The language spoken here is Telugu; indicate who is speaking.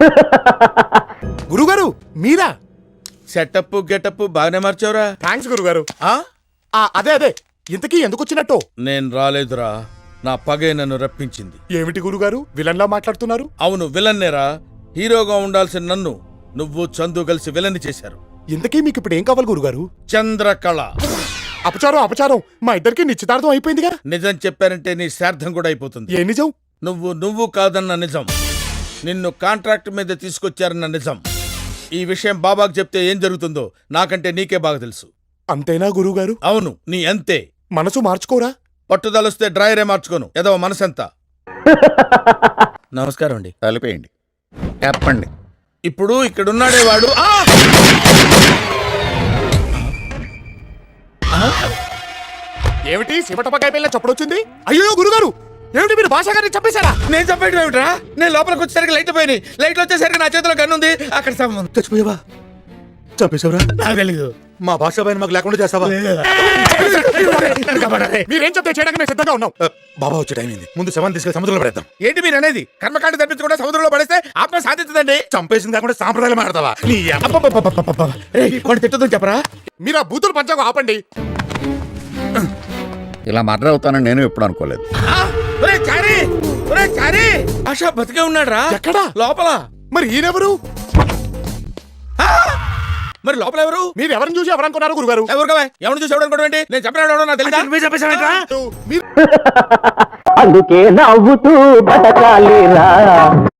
Speaker 1: గురుగారు మీరా?
Speaker 2: సెటప్ గెటప్ బాగానే మార్చావురా.
Speaker 1: థ్యాంక్స్ గురుగారు.
Speaker 2: ఆ?
Speaker 1: అదే ఇంతకీ ఎందుకు వచ్చినట్టు?
Speaker 2: నేను రాలేదురా, నా పగే నన్ను రప్పించింది.
Speaker 1: ఏమిటి గురుగారు విలన్లా మాట్లాడుతున్నారు?
Speaker 2: అవును విలన్నేరా. హీరోగా ఉండాల్సిన నన్ను నువ్వు చందు కలిసి విలన్ చేశారు.
Speaker 1: ఇంతకీ మీకు ఇప్పుడు ఏం కావాలి గురుగారు?
Speaker 2: చంద్రకళ.
Speaker 1: అపచారం మా ఇద్దరికి నిశ్చితార్థం అయిపోయిందిగా.
Speaker 2: నిజం చెప్పారంటే నీ శ్రాద్ధం కూడా అయిపోతుంది.
Speaker 1: ఏ నిజం?
Speaker 2: నువ్వు కాదన్న నిజం, నిన్ను కాంట్రాక్ట్ మీద తీసుకొచ్చారన్న నిజం. ఈ విషయం బాబాకు చెప్తే ఏం జరుగుతుందో నాకంటే నీకే బాగా తెలుసు.
Speaker 1: అంతేనా గురుగారు?
Speaker 2: అవును, నీ అంతే.
Speaker 1: మనసు మార్చుకోరా?
Speaker 2: పట్టుదలొస్తే డ్రాయరే మార్చుకోను, ఏదో మనసంతా. నమస్కారం అండి.
Speaker 3: కలిపేయండి, చెప్పండి.
Speaker 2: ఇప్పుడు ఇక్కడున్నాడే వాడు.
Speaker 1: ఏమిటి శివటపకాయ పిల్ల చప్పుడొచ్చింది? అయ్యో గురుగారు, ఏమిటి మీరు భాష గారిని చంపేశారా?
Speaker 2: నేను చెప్పేయడం ఏమిట్రా? నేను లోపలికి వచ్చేసరికి లైట్ పోయినాయి. లైట్లు వచ్చేసరికి నా చేతిలో గన్ను ఉంది. అక్కడ
Speaker 1: చచ్చిపోయావా? చంపేశావరా?
Speaker 2: నాకు తెలీదు.
Speaker 1: మా భాష పైన మాకు లేకుండా చేస్తావా? మీరేం చెప్తే చేయడానికి మేము సిద్ధంగా ఉన్నాం. బాబా వచ్చే టైం అయింది, ముందు శవాన్ని తీసుకెళ్లి సముద్రంలో పడేద్దాం.
Speaker 2: ఏంటి మీరు అనేది? కర్మకాండ తప్పించకుండా సముద్రంలో పడేస్తే ఆత్మ సాధించదండి.
Speaker 1: చంపేసింది కాకుండా సాంప్రదాయాలు మాడతావా?
Speaker 2: తిట్టదని చెప్పరా?
Speaker 1: మీరు ఆ బూతులు పంచాకు ఆపండి.
Speaker 3: ఇలా మర్డర్ అవుతానని నేను ఎప్పుడు అనుకోలేదు.
Speaker 2: ఆశా బతికే ఉన్నాడు రా.
Speaker 1: ఎక్కడా?
Speaker 2: లోపల.
Speaker 1: మరి ఈయనెవరు?
Speaker 2: మరి లోపల ఎవరు?
Speaker 1: మీరు ఎవరిని చూసి ఎవరనుకున్నారు గురుగారు?
Speaker 2: ఎవరు కావా? ఎవరిని చూసి ఎవరు ఏంటి? నేను చెప్పినాడు నాకు తెలియదా?
Speaker 1: మీరు
Speaker 4: అందుకే నవ్వుతూ బతకాలిరా.